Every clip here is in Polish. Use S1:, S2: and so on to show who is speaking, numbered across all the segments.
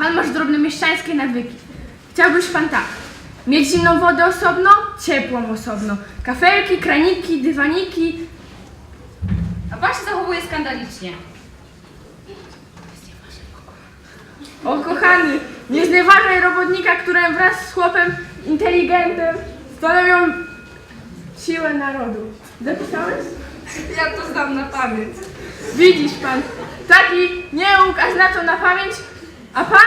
S1: Pan masz drobnomieszczańskie nawyki. Chciałbyś pan tak. Mieć zimną wodę osobno, ciepłą osobno. Kafelki, kraniki, dywaniki.
S2: A pan się zachowuje skandalicznie.
S1: O kochany, nie znieważaj robotnika, który wraz z chłopem inteligentem stanowią siłę narodu. Zapisałeś?
S2: Ja to znam na pamięć.
S1: Widzisz pan, taki nieuk, a zna to na pamięć, a pan?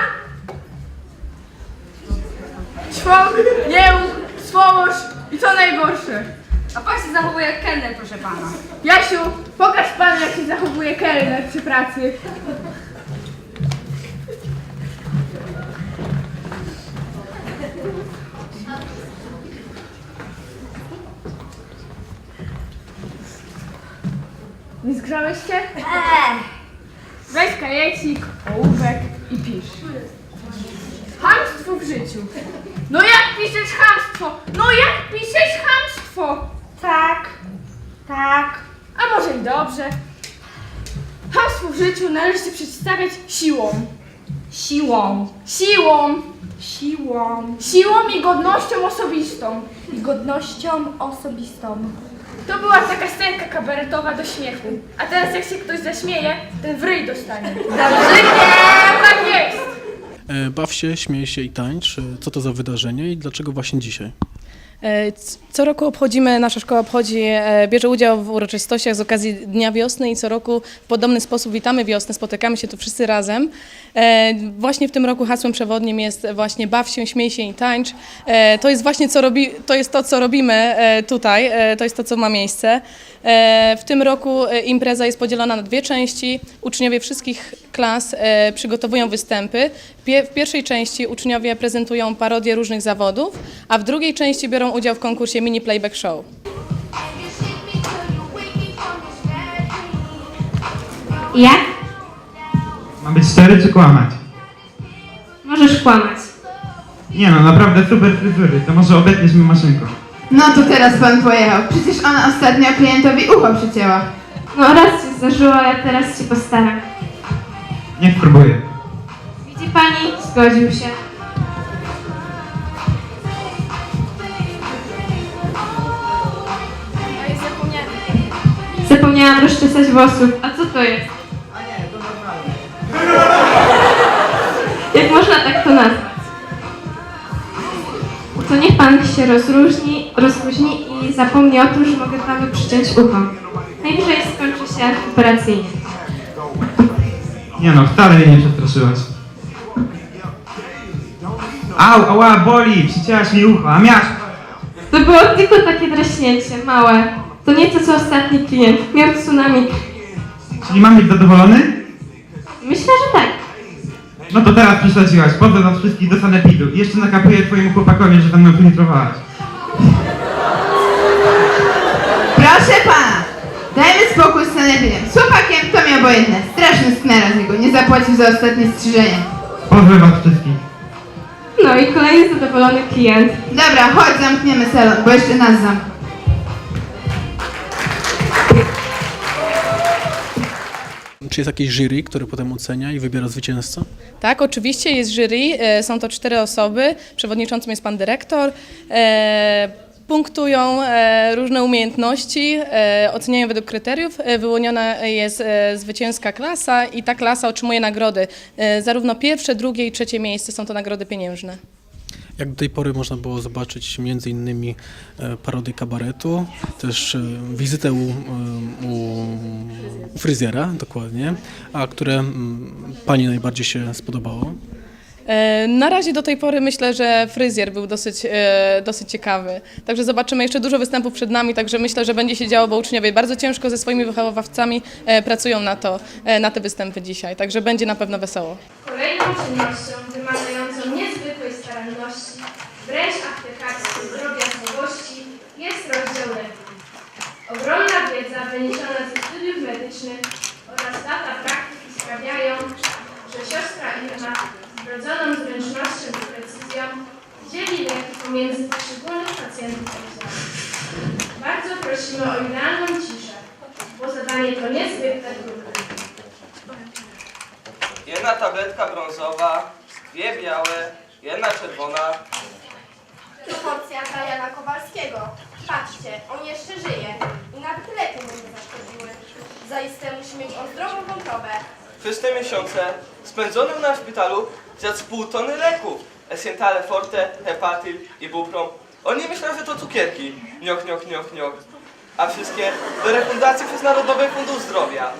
S1: Ćwok, nieuk, swołoż i co najgorsze.
S2: A pan się zachowuje jak kelner, proszę pana.
S1: Jasiu, pokaż panu, jak się zachowuje kelner przy pracy. Nie zgrzałeś się? Weź kajecik, ołówek i pisz. Chamstwo w życiu. No jak piszesz chamstwo? No jak piszesz chamstwo? Tak, tak. A może i dobrze. Chamstwo w życiu należy się przeciwstawiać siłą.
S2: Siłą.
S1: Siłą.
S2: Siłą.
S1: Siłą i godnością osobistą.
S2: I godnością osobistą.
S1: To była taka scenka kabaretowa do śmiechu. A teraz jak się ktoś zaśmieje, ten w ryj dostanie. Tak jest!
S3: Baw się, śmiej się i tańcz. Co to za wydarzenie i dlaczego właśnie dzisiaj?
S4: Co roku nasza szkoła bierze udział w uroczystościach z okazji Dnia Wiosny i co roku w podobny sposób witamy wiosnę, spotykamy się tu wszyscy razem. Właśnie w tym roku hasłem przewodnim jest właśnie baw się, śmiej się i tańcz. To jest właśnie to, co robimy tutaj, to jest to, co ma miejsce. W tym roku impreza jest podzielona na dwie części. Uczniowie wszystkich klas przygotowują występy. W pierwszej części uczniowie prezentują parodie różnych zawodów, a w drugiej części biorą udział w konkursie Mini Playback Show.
S5: Jak?
S6: Ma być 4 czy kłamać?
S5: Możesz kłamać.
S6: Nie no, naprawdę super fryzury, to może obetniesz mi maszynką.
S7: No to teraz pan pojechał. Przecież ona ostatnio klientowi ucho przycięła.
S5: No raz się zdarzyło, ale teraz się postaram.
S6: Niech próbuję.
S5: Widzi pani? Zgodził się. Zapomniałam rozczesać włosów. A co to jest? Jak można tak to nazwać? To niech pan się rozluźni i zapomni o tym, że mogę panu przyciąć ucho. Najwyżej skończy się operacyjnie.
S6: Nie no, wcale jej nie przestraszyłaś. Au, ała, boli, przycięłaś mi ucho, a miasz...
S5: To było tylko takie draśnięcie, małe. To nie to, co ostatni klient. Miał tsunami.
S6: Czyli mam być zadowolony?
S5: Myślę, że tak.
S6: No to teraz przesadziłaś, pozdro nas wszystkich do sanepidu i jeszcze nakapuję twojemu chłopakowi, że tam mną penetrowałaś.
S7: Proszę pana! Dajmy spokój z sanepidem. Z chłopakiem to mi obojętne. Straszny sknera z niego. Nie zapłacił za ostatnie strzyżenie.
S6: Pozdro was wszystkich.
S5: No i kolejny zadowolony klient.
S7: Dobra, chodź, zamkniemy salon, bo jeszcze nas zamkną.
S3: Czy jest jakieś jury, które potem ocenia i wybiera zwycięzcę?
S4: Tak, oczywiście jest jury, są to 4 osoby, przewodniczącym jest pan dyrektor. Punktują różne umiejętności, oceniają według kryteriów. Wyłoniona jest zwycięska klasa i ta klasa otrzymuje nagrody. Zarówno pierwsze, drugie i trzecie miejsce są to nagrody pieniężne.
S3: Jak do tej pory można było zobaczyć m.in. parodię kabaretu, też wizytę u fryzjera, dokładnie, a które pani najbardziej się spodobało?
S4: Na razie do tej pory myślę, że fryzjer był dosyć ciekawy. Także zobaczymy jeszcze dużo występów przed nami, także myślę, że będzie się działo, bo uczniowie bardzo ciężko ze swoimi wychowawcami pracują na te występy dzisiaj. Także będzie na pewno wesoło.
S1: Kolejną czynnością wymagającą niezwykłej staranności, wręcz aptekarskiej drobiazgowości jest rozdział leki. Ogromna wiedza wyniesiona ze studiów medycznych oraz lata praktyki sprawiają, że siostra Irma z wrodzoną zręcznością i precyzją dzieli leki pomiędzy poszczególnych pacjentów oddziału. Bardzo prosimy o idealną ciszę, bo zadanie to niezwykle trudne.
S8: Jedna tabletka brązowa Dwie białe, jedna czerwona.
S1: To porcja dla Jana Kowalskiego. Patrzcie, on jeszcze żyje i nawet leki mu nie zaszkodziły. Zaiste musi mieć on zdrową wątrobę.
S8: Przez te miesiące spędzone na szpitalu zjadł z pół tony leków. Essentale Forte, Hepatil i Buprom. On nie myślał, że to cukierki. Nioch, nioch, nioch, nioch. A wszystkie do refundacji przez Narodowy Fundusz Zdrowia.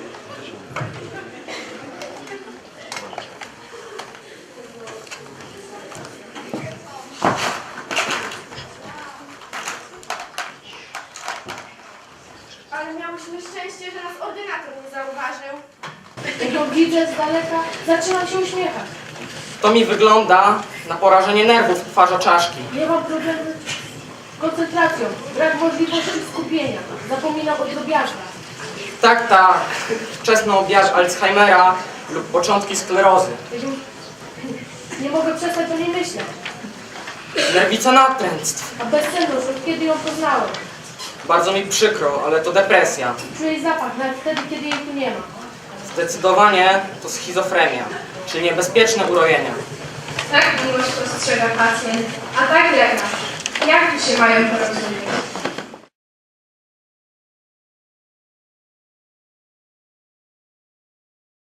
S1: Ale miałyśmy szczęście, że nas ordynator nie zauważył.
S9: Jak go widzę z daleka, zaczynam się uśmiechać.
S10: To mi wygląda na porażenie nerwów w twarza czaszki.
S9: Nie mam problemu z koncentracją, brak możliwości skupienia. Zapominam o drobiazgach.
S10: Tak, tak. Wczesny objaw Alzheimera lub początki sklerozy.
S9: Nie mogę przestać o niej myśleć.
S10: Nerwica natręctw.
S9: A bezsenność, od kiedy ją poznałem.
S10: Bardzo mi przykro, ale to depresja.
S9: Czuję jej zapach, nawet wtedy, kiedy jej tu nie ma.
S10: Zdecydowanie to schizofrenia, czyli niebezpieczne urojenia.
S1: Tak miłość postrzega pacjent, a tak lekarz. Jak tu się mają porozumieć?